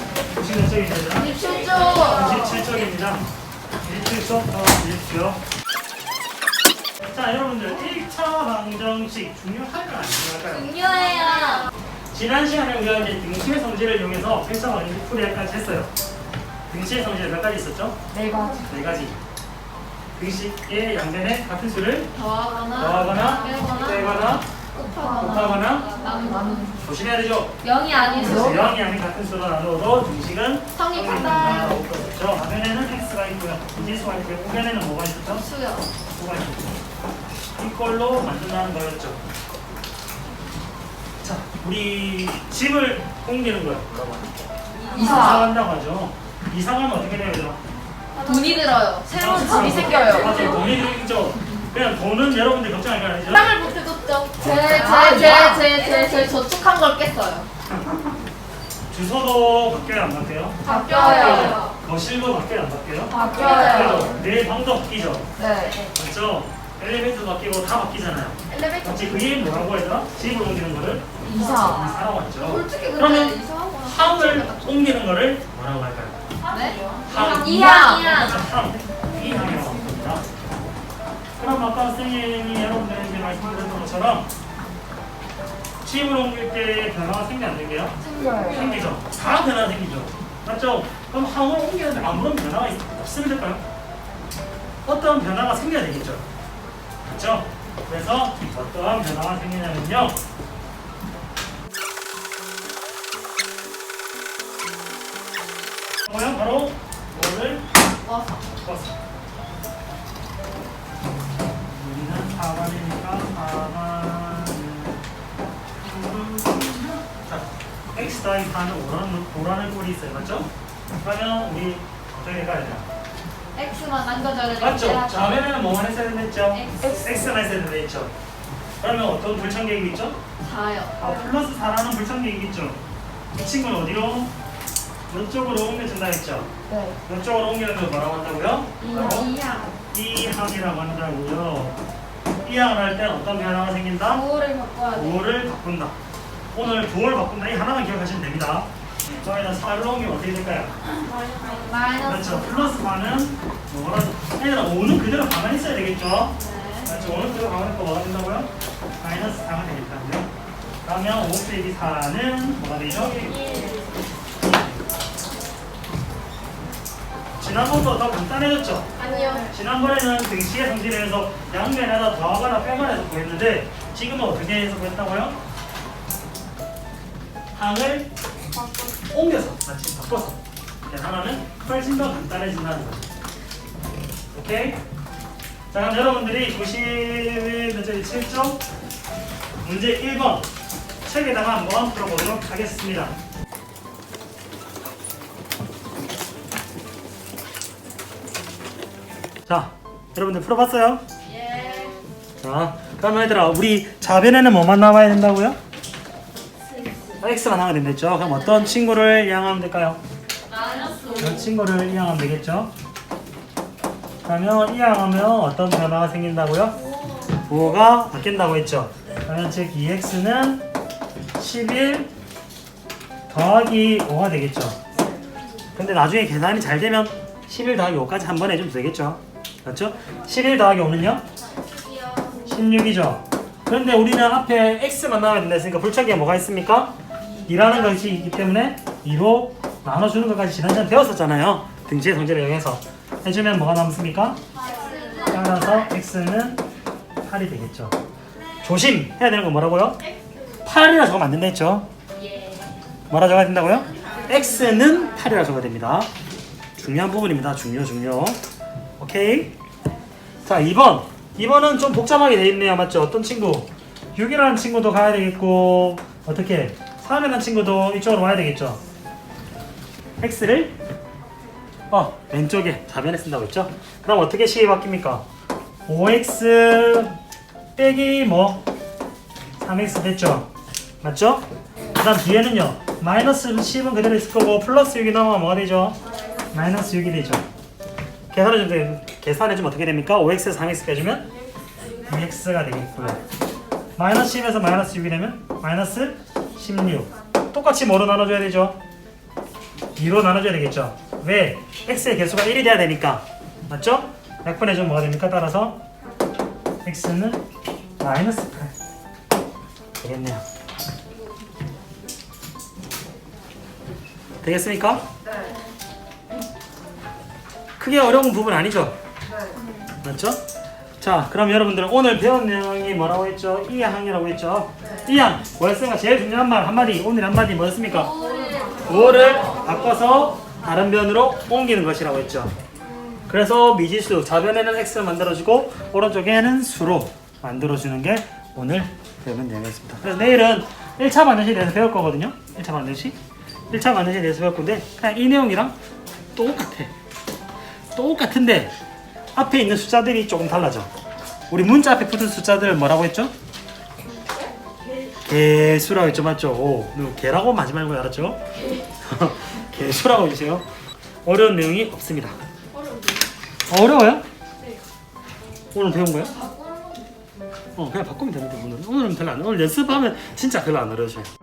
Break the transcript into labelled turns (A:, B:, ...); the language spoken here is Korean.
A: 공식 몇 쪽입니다?
B: 27조.
A: 27쪽입니다. 27쪽 더 주십시오. 자, 여러분들 1차 방정식 중요할까요? 안 중요할까요?
B: 중요해요.
A: 지난 시간에 우리가 이제 등식의 성질을 이용해서 1차 방정식 풀이까지 했어요. 등식의 성질 몇 가지 있었죠?
B: 네 가지.
A: 네 가지. 등식의 양변에 같은 수를
B: 더하거나
A: 빼거나 곱하거나
B: 나누는.
A: 조심해야 되죠?
B: 0이 아니죠.
A: 0이 아닌 같은 수로 나누어도 등식은
B: 성립한다.
A: 그렇죠. 화면에는 x가 있고요. 인지수가 있고요. 후면에는 뭐가 있었죠?
B: 수요.
A: 수가 있었죠. 이걸로 만든다는 거였죠. 자, 우리 집을 옮기는 거예요. 이사한다고 하죠. 이사하면 어떻게 돼요, 얘들아?
B: 돈이 들어요. 새로운 집이 생겨요.
A: 맞아요. 돈이 들죠. 그냥 돈은 여러분들 걱정할 거 아니죠?
B: 땅을 못 해줬죠. 제 저축한 걸 깼어요.
A: 주소도 바뀌어요, 안 바뀌어요?
B: 바뀌어요.
A: 거실도 바뀌어요, 안 바뀌어요?
B: 바뀌어요.
A: 내 방도 바뀌죠.
B: 네.
A: 맞죠? 엘리베이터도 바뀌고 다 바뀌잖아요.
B: 엘리베이터.
A: 마치 그게 뭐라고 해야 집을 옮기는 거를
B: 이사.
A: 이사라고 하죠.
B: 솔직히
A: 그러면
B: 근데 이사하고
A: 항을 옮기는 거를 뭐라고 할까요?
B: 네?
A: 항.
B: 이항.
A: 항. 이항이라고 합니다. 그럼 아까 선생님이 여러분들에게 말씀드렸던 것처럼 집을 옮길 때 변화가 생기 안 생겨요?
B: 생겨요.
A: 생기죠. 다 변화가 생기죠. 맞죠? 그럼 항을 옮기는데 아무런 변화가 없으면 될까요? 어떤 변화가 생겨야 되겠죠. 그렇죠? 그래서 어떠한 변화가 생기냐면요. 뭐요? 바로 뭐를
B: 와서.
A: 껐어. 여기는 4번이니까 4번. 자, x 더하기 4는 오라는 꼴이 있어요. 맞죠? 그러면 우리 어떻게 가야 돼요?
B: X만 남겨줘야 되는데.
A: 맞죠? 좌변에는 뭐만 했어야 된댔죠?
B: X.
A: x만 했어야 된댔죠? 그러면 어떤 불청객이 있죠?
B: 4요.
A: 플러스 4라는 불청객이 있죠? 이 친구는 어디로? 이쪽으로 옮겨준다 했죠?
B: 네.
A: 이쪽으로 옮기는 걸 뭐라고 한다고요?
B: 이항.
A: 이항이라고 한다고요. 이항을 할 때 어떤 변화가 생긴다?
B: 부호를 바꿔야 돼.
A: 부호를 바꾼다. 오늘 부호를 바꾼다. 이 하나만 기억하시면 됩니다. 저희는 4를 옮기면 어떻게 될까요?
B: 마이너스.
A: 그렇죠. 플러스 4는 뭐라도 얘들아 5는 그대로 가만히 있어야 되겠죠?
B: 네.
A: 그렇죠. 5는 그대로 가만히 있고 뭐가 된다고요? 마이너스 4가 되겠다고요. 그러면 5 빼기 4는 뭐가 되죠? 지난번보다 더 간단해졌죠?
B: 아니요.
A: 지난번에는 등식의 성질에 의해서 양변에다 더하거나 빼거나 해서 구했는데 지금은 어떻게 해서 구했다고요? 항을 옮겨서 마치 바꿔서 하나는 훨씬 더 간단해진다는 거죠. 오케이? 자, 그럼 여러분들이 97쪽 문제 1번 책에다가 한번 풀어보도록 하겠습니다. 자, 여러분들 풀어봤어요?
B: 예.
A: 자, 그러면 얘들아 우리 좌변에는 뭐만 나와야 된다고요? x만 나와야 된댔죠? 그럼 어떤 친구를 이항하면 될까요? 이 친구를 이항하면 되겠죠? 그러면 이항하면 어떤 변화가 생긴다고요? 부호가 바뀐다고 했죠? 그러면 즉 2x는 11 더하기 5가 되겠죠? 근데 나중에 계산이 잘 되면 11 더하기 5까지 한 번에 해주면 되겠죠? 맞죠? 11 더하기 5는요? 16이죠? 그런데 우리는 앞에 x만 나와야 된다 했으니까 불청객에 뭐가 있습니까? 2라는 것이 있기 때문에 2로 나눠주는 것까지 지난 시간에 배웠었잖아요. 등식의 성질을 이용해서 해주면 뭐가 남습니까? 따라서 x는 8이 되겠죠. 조심해야 되는 건 뭐라고요? 8이라 적으면 안 된다 했죠? 뭐라 적어야 된다고요? x는 8이라 적어야 됩니다. 중요한 부분입니다. 중요. 오케이? 자, 2번. 2번은 좀 복잡하게 돼 있네요. 맞죠? 어떤 친구? 6이라는 친구도 가야 되겠고 어떻게? 3이라는 친구도 이쪽으로 와야 되겠죠? x를 왼쪽에 좌변에 쓴다고 했죠? 그럼 어떻게 식이 바뀝니까? 5x 빼기 3x 됐죠? 맞죠? 그 다음 뒤에는요 마이너스 10은 그대로 있을 거고 플러스 6이 나오면 뭐가 되죠? 마이너스 6이 되죠. 계산해주면 어떻게 됩니까? 5x에서 3x 빼주면 2x가 되겠고요. 마이너스 10에서 마이너스 6이 되면 마이너스 16. 똑같이 뭐로 나눠줘야 되죠? 2로 나눠줘야 되겠죠. 왜? x의 개수가 1이 돼야 되니까. 맞죠? 약분해주면 뭐가 됩니까? 따라서 x는 마이너스 8 되겠네요. 되겠습니까? 크게 어려운 부분 아니죠? 맞죠? 자, 그럼 여러분들은 오늘 배운 내용이 뭐라고 했죠? 2항이라고 했죠? 2항 월세가 제일 중요한 말 한마디, 오늘 한마디 뭐였습니까? 5를 바꿔서 다른 변으로 옮기는 것이라고 했죠. 그래서 미지수 좌변에는 x를 만들어주고 오른쪽에는 수로 만들어주는 게 오늘 배우는 내용이었습니다. 그래서 내일은 1차 반드시에 대해서 배울 거거든요. 1차 반드시 1차 반드시에 대해서 배울 건데 그냥 이 내용이랑 똑같은데 앞에 있는 숫자들이 조금 달라져. 우리 문자 앞에 붙은 숫자들 뭐라고 했죠? 개수라고 했죠. 맞죠? 오, 개라고 하지 말고 알았죠? 개수라고 해주세요. 어려운 내용이 없습니다. 어려워요? 오늘 배운 거예요? 그냥 바꾸면 되는데 오늘은 별로 안 오늘 연습하면 진짜 별로 안 어려워져요.